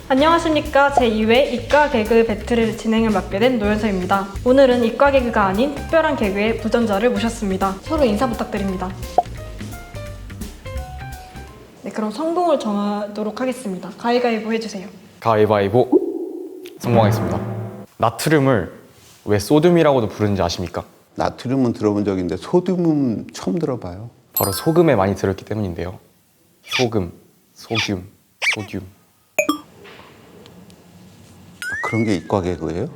안녕하십니까. 제2회 이과 개그 배틀을 진행을 맡게 된 노현서입니다. 오늘은 이과 개그가 아닌 특별한 개그의 도전자를 모셨습니다. 서로 인사 부탁드립니다. 네, 그럼 성공을 정하도록 하겠습니다. 가위바위보 해주세요. 가위바위보. 성공하겠습니다. 나트륨을 왜 소듐이라고도 부르는지 아십니까? 나트륨은 들어본 적이 있는데 소듐은 처음 들어봐요. 바로 소금에 많이 들었기 때문인데요. 소금, 소듐, 소듐. 그런 게 이과 개그예요?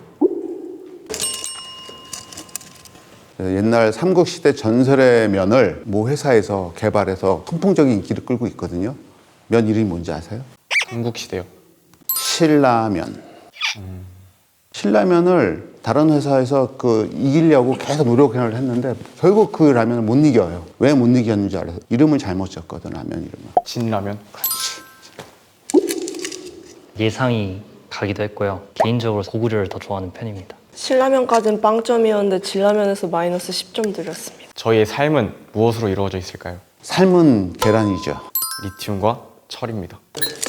옛날 삼국시대 전설의 면을 모 회사에서 개발해서 선풍적인 인기를 끌고 있거든요. 면 이름이 뭔지 아세요? 삼국시대요. 신라면. 신라면을 다른 회사에서 이기려고 계속 노력을 했는데 결국 그 라면을 못 이겨요. 왜 못 이겼는지 알아서 이름을 잘못 지었거든, 라면 이름을. 진라면. 예상이 가기도 했고요. 개인적으로 고구려를 더 좋아하는 편입니다. 신라면까지는 빵점이었는데 진라면에서 마이너스 10점 드렸습니다. 저희의 삶은 무엇으로 이루어져 있을까요? 삶은 계란이죠. 리튬과 철입니다.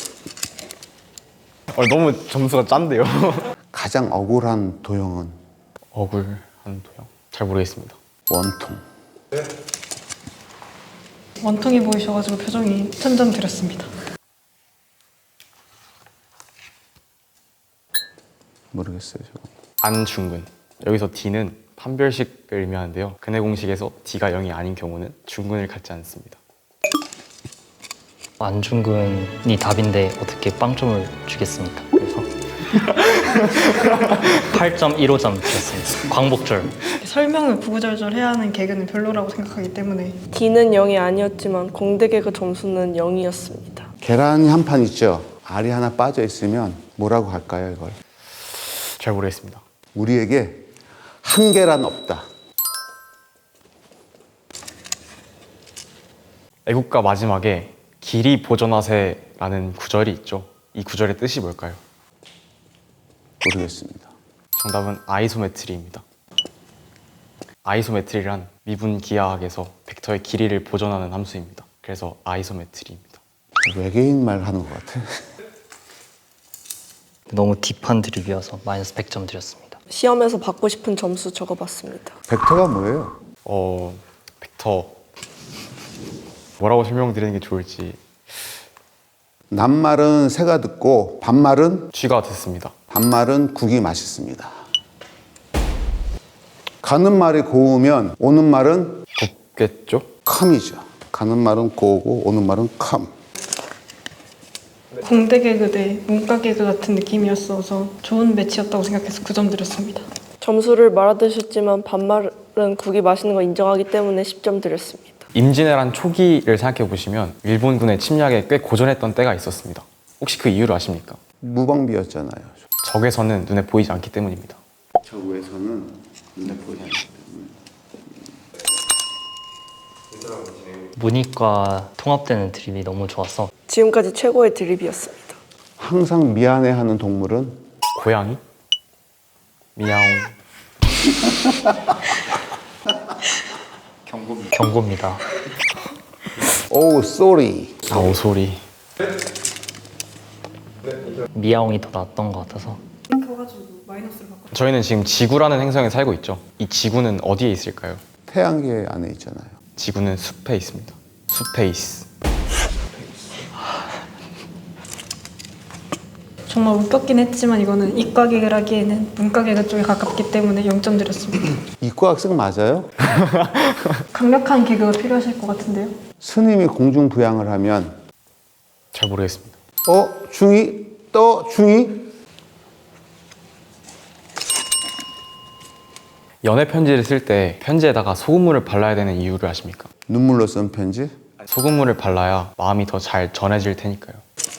너무 점수가 짠데요. 가장 억울한 도형은 억울한 도형. 잘 모르겠습니다. 원통. 원통이 보이셔가지고 표정이 1000점 드렸습니다. 모르겠어요, 저거. 안중근. 여기서 D는 판별식을 의미하는데요. 근해 공식에서 D가 0이 아닌 경우는 중근을 갖지 않습니다. 안중근이 답인데 어떻게 빵점을 주겠습니까? 그래서 8.15점 드렸습니다. 광복절. 설명을 구구절절 해야 하는 개그는 별로라고 생각하기 때문에 D는 0이 아니었지만 공대 개그 점수는 0이었습니다. 계란이 한 판 있죠. 알이 하나 빠져 있으면 뭐라고 할까요, 이걸? 잘 모르겠습니다. 우리에게 한 계란 없다. 애국가 마지막에 길이 보존하세라는 구절이 있죠. 이 구절의 뜻이 뭘까요? 모르겠습니다. 정답은 아이소메트리입니다. 아이소메트리란 미분기하학에서 벡터의 길이를 보존하는 함수입니다. 그래서 아이소메트리입니다. 외계인 말 하는 것 같아. 너무 딥한 드립이어서 마이너스 100점 드렸습니다. 시험에서 받고 싶은 점수 적어봤습니다. 벡터가 뭐예요? 벡터 뭐라고 설명드리는 게 좋을지. 낱말은 새가 듣고 반말은 쥐가 듣습니다. 반말은 국이 맛있습니다. 가는 말이 고우면 오는 말은 곱겠죠? 컴이죠. 가는 말은 고우고 오는 말은 컴. 공대 개그 대 문과 개그 같은 느낌이었어서 좋은 매치였다고 생각해서 9점 드렸습니다. 점수를 말아드셨지만 반말은 국이 맛있는 거 인정하기 때문에 10점 드렸습니다. 임진왜란 초기를 생각해 보시면 일본군의 침략에 꽤 고전했던 때가 있었습니다. 혹시 그 이유를 아십니까? 무방비였잖아요. 적외선은 눈에 보이지 않기 때문입니다. 저 위에서는 눈에 보이지 않기 때문에. 문이과 통합되는 드립이 너무 좋아서 지금까지 최고의 드립이었습니다. 항상 미안해하는 동물은 고양이? 미야옹. 경고입니다. 오, 쏘리. 오소리. 미야옹이 더 낫던 것 같아서 그래가지고 마이너스를 받고 저희는 지금 지구라는 행성에 살고 있죠. 이 지구는 어디에 있을까요? 태양계 안에 있잖아요. 지구는 숲에 있습니다. 스페이스. 정말 웃겼긴 했지만 이거는 이과 개그를 하기에는 문과 개그 쪽에 가깝기 때문에 0점 드렸습니다. 이과 학생 맞아요? 강력한 개그가 필요하실 것 같은데요. 스님이 공중부양을 하면 잘 모르겠습니다. 중이 떠 중이 연애 편지를 쓸 때 편지에다가 소금물을 발라야 되는 이유를 아십니까? 눈물로 쓴 편지? 소금물을 발라야 마음이 더 잘 전해질 테니까요.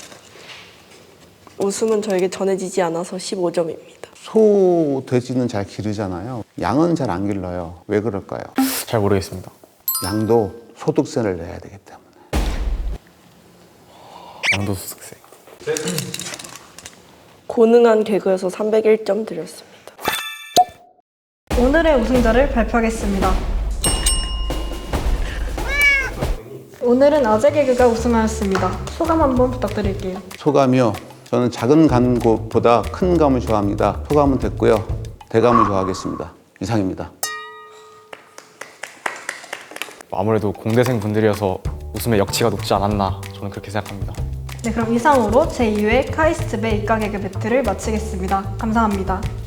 웃음은 저에게 전해지지 않아서 15점입니다. 소, 돼지는 잘 기르잖아요. 양은 잘 안 길러요. 왜 그럴까요? 잘 모르겠습니다. 양도 소득세를 내야 되기 때문에. 양도소득세. 고능한 개그에서 301점 드렸습니다. 오늘의 우승자를 발표하겠습니다. 오늘은 아재 개그가 우승하였습니다. 소감 한번 부탁드릴게요. 소감이요. 저는 작은 감보다 큰 감을 좋아합니다. 소감은 됐고요. 대감을 좋아하겠습니다. 이상입니다. 아무래도 공대생 분들이어서 웃음의 역치가 높지 않았나 저는 그렇게 생각합니다. 네, 그럼 이상으로 제2회 카이스트 배 이과 개그 배틀을 마치겠습니다. 감사합니다.